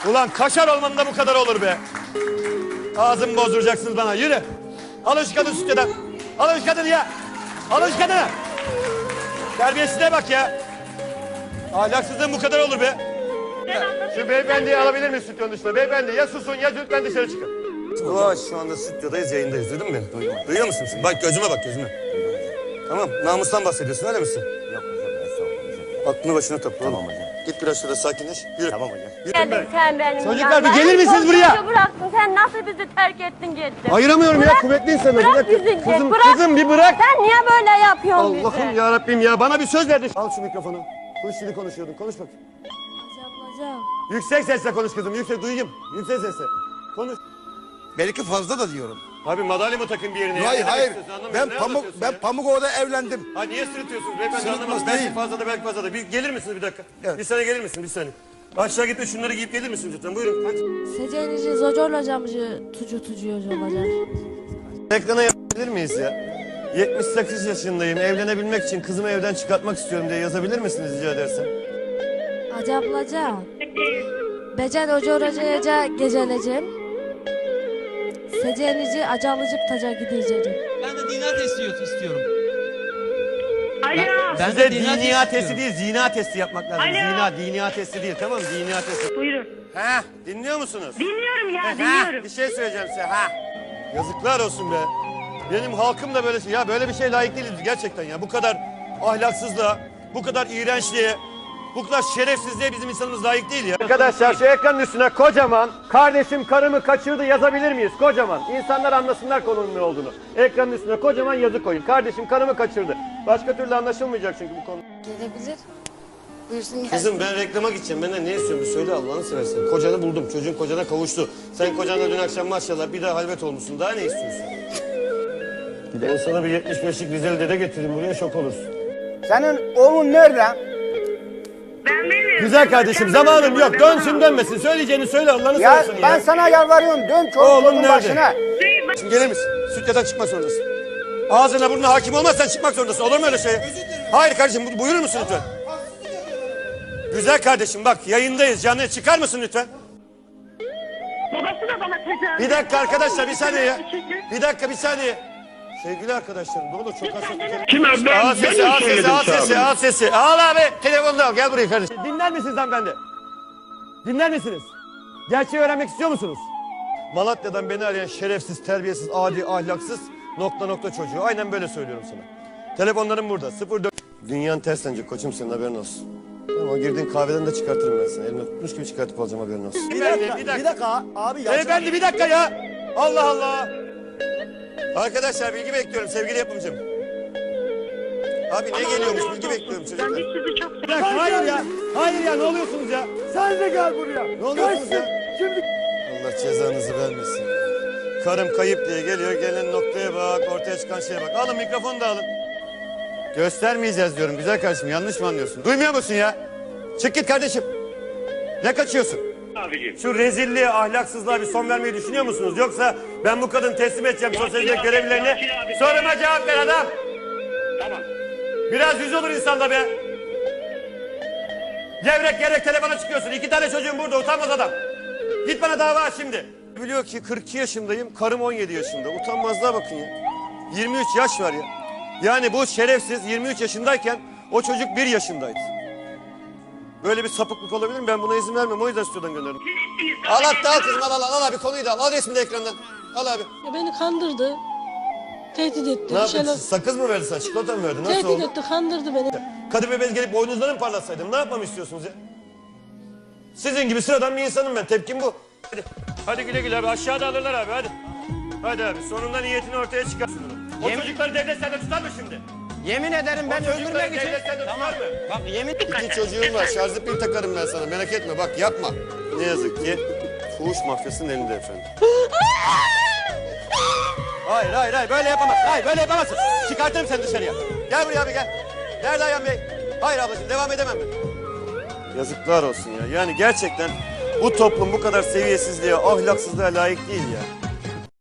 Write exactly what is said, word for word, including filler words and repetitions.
Ulan kaşar olmanın da bu kadar olur be. Ağzımı bozduracaksınız bana. Yürü. Alın şu kadını stüdyodan. Alın şu kadını ya. Alın şu kadını. Terbiyesine bak ya. Ahlaksızlığın bu kadar olur be. Şu beyefendiyi alabilir miyiz stüdyonun dışına? Beyefendi ya susun ya lütfen dışarı çıkın. Ulaş şu anda stüdyodayız, yayındayız. Duydun mu beni? Duydum. Duyuyor musun sen? Bak gözüme bak gözüme. Tamam, namustan bahsediyorsun öyle misin? Yok hocam, estağfurullah. Aklını başına topla. Tamam hocam. Git biraz şurada sakinleş. Yürü. Tamam hocam. Yürü Geldin be. sen benim Çocuklar bir yanıma. gelir misiniz Çocuğu buraya? bıraktın. Sen nasıl bizi terk ettin gittin? Ayıramıyorum ya Bırak- kuvvetli insanım. Bırak Bir dakika. bizi. Kızım, bırak. kızım bir bırak. Sen niye böyle yapıyorsun bize? Allah'ım ya Rabbim ya bana bir söz verdin. Al şu mikrofonu. Kuş dili konuşuyordun. Konuş bakayım. Ablacığım. Yüksek sesle konuş kızım. Yüksek duyayım. Yüksek sesle. Konuş. Belki fazla da diyorum. Abi madalya mı takın bir yerine? ya? Hayır Ne demek hayır. istiyorsun? Anlamıyorum. Ben Ne pamuk anlatıyorsun ben ya? Pamukova'da evlendim. Ha niye sırıtıyorsunuz beyefendi Sırıtmaz anlamadım. Belki değil. fazla da belki fazla da. Bir gelir misiniz bir dakika? Evet. Bir saniye gelir misin bir saniye? Aşağı gitme şunları giyip gelir misiniz lütfen? Buyurun. Hadi. Seceğinizi zocorlacağımızı tucu tucuyor olacak. Ekrana yapabilir miyiz ya? yetmiş sekiz yaşındayım. Evlenebilmek için kızımı evden çıkartmak istiyorum diye yazabilir misiniz rica edersem? Acablaca. Becen hoca oracayaca geceleceğim. Seceğinizi acalıcık taca gideceğim. Ben de dinar testi istiyorum. Alo. Ben Size de dinar diniya testi testi değil, zina testi yapmak lazım. Alo. Zina, diniya testi değil. Tamam mı? Diniya testi. Buyurun. Ha, dinliyor musunuz? Dinliyorum ya, Ha, dinliyorum. bir şey söyleyeceğim size. Ha. Yazıklar olsun be. Benim halkım da böyle şey. Ya böyle bir şey layık değiliz gerçekten ya. Bu kadar ahlaksızlığa, bu kadar iğrençliğe, bu kadar şerefsizliğe bizim insanımız layık değil ya. Arkadaşlar şu ekranın üstüne kocaman kardeşim karımı kaçırdı yazabilir miyiz? Kocaman. İnsanlar anlasınlar konunun ne olduğunu. Ekranın üstüne kocaman yazı koyun. Kardeşim karımı kaçırdı. Başka türlü anlaşılmayacak çünkü bu konu. Gelebilir. Buyursun. Kızım ben reklama gideceğim. Benden ne istiyorsun? Bir söyle Allah'ını seversen. Kocanı buldum. Çocuğun kocana kavuştu. Sen kocanla dün akşam maşallah bir daha halvet olmuşsun. Daha ne istiyorsun? Ben sana bir yetmiş beşlik Rizeli dede getireyim buraya şok olursun. Senin oğlun nerede? Ben bilmiyorum. Güzel kardeşim zamanım yok. Dönsün dönmesin. Söyleyeceğini söyle Allah'ını Ya seversen ben ya. sana yalvarıyorum, dön Oğlum çocuğun nerede? başına. Şimdi gelir misin? Stüdyodan çıkmak zorundasın. Ağzına burnuna hakim olmazsan çıkmak zorundasın. Olur mu öyle şey? Hayır kardeşim bu- buyurur musun lütfen? Güzel kardeşim bak yayındayız. Canlı çıkar mısın lütfen? Babası da bana tecavüz. Bir dakika arkadaşlar bir saniye ya. Bir dakika bir saniye. Sevgili arkadaşlarım ne olur çok az sesli. Kim Al sesi al sesi al sesi al sesi. Al abi telefonunu al gel buraya kardeşim. Dinler misiniz hanımefendi? Dinler misiniz? Gerçeği öğrenmek istiyor musunuz? Malatya'dan beni arayan şerefsiz, terbiyesiz, adi, ahlaksız nokta nokta çocuğu. Aynen böyle söylüyorum sana. Telefonlarım burada. sıfır dört. Dünyanın terslenecek koçum senin haberin olsun. Ama girdiğin kahveden de çıkartırım ben seni. Elimle tutmuş gibi çıkartıp alacağım haberin olsun. Bir dakika, bir dakika abi. ya- Beyefendi bir dakika ya. Allah Allah. Arkadaşlar bilgi bekliyorum sevgili yapımcım. Abi ne geliyormuş bilgi bekliyorum Ben çocuklar. de sizi çok Bir dakika hayır ya. Hayır ya ne oluyorsunuz ya? Sen de gel buraya. Ne oluyorsunuz ya? Şimdi Allah cezanızı vermesin ya. Karım kayıp diye geliyor gelen noktaya bak ortaya çıkan şeye bak. Alın mikrofonu da alın. Göstermeyeceğiz diyorum güzel kardeşim yanlış mı anlıyorsun? Duymuyor musun ya? Çık git kardeşim. Ne kaçıyorsun? Şu rezilliğe, ahlaksızlığa bir son vermeyi düşünüyor musunuz? Yoksa ben bu kadını teslim edeceğim sosyal hizmet görevlilerine. Soruma cevap ver adam. Tamam. Biraz yüz olur insanda be. Gevrek gerek telefona çıkıyorsun. İki tane çocuğum burada utanmaz adam. Git bana dava aç şimdi. Biliyor ki kırk iki yaşındayım, karım on yedi yaşında. Utanmazlığa bakın ya. yirmi üç yaş var ya. Yani bu şerefsiz yirmi üç yaşındayken o çocuk bir yaşındaydı. Böyle bir sapıklık olabilir mi? Ben buna izin vermem. O yüzden stüdyodan gönderdim. Al hatta al kızım al al al abi konuyu da al. Al resmi de ekrandan. Al abi. Ya beni kandırdı. Tehdit etti. Ne bir şeyler- yaptın? Sakız mı verdi sana? Çikolata mı verdi? Nasıl Tehdit oldu? etti, kandırdı beni. Kadıbe bez gelip boynuzları mı parlatsaydım? Ne yapmamı istiyorsunuz ya? Sizin gibi sıradan bir insanım ben. Tepkim bu. Hadi, hadi güle güle abi. Aşağıda alırlar abi hadi. Hadi abi sonunda niyetini ortaya çıkar. O Yemin- çocukları devlet sende tutar mı şimdi? Yemin ederim ben O çocukları öldürmek için. devlet sende Tamam. tutar mı? Bak yemin. İki çocuğum var. Şarjlı pil takarım ben sana. Merak etme bak yapma. Ne yazık ki fuhuş mafyasının elinde efendim. Hayır hayır hayır böyle yapamazsın. Hayır böyle yapamazsın. Çıkartırım seni dışarıya. Gel buraya abi gel. Nerede Ayhan Bey? Hayır ablacığım devam edemem ben. Yazıklar olsun ya. Yani gerçekten bu toplum bu kadar seviyesizliğe, ahlaksızlığa layık değil ya.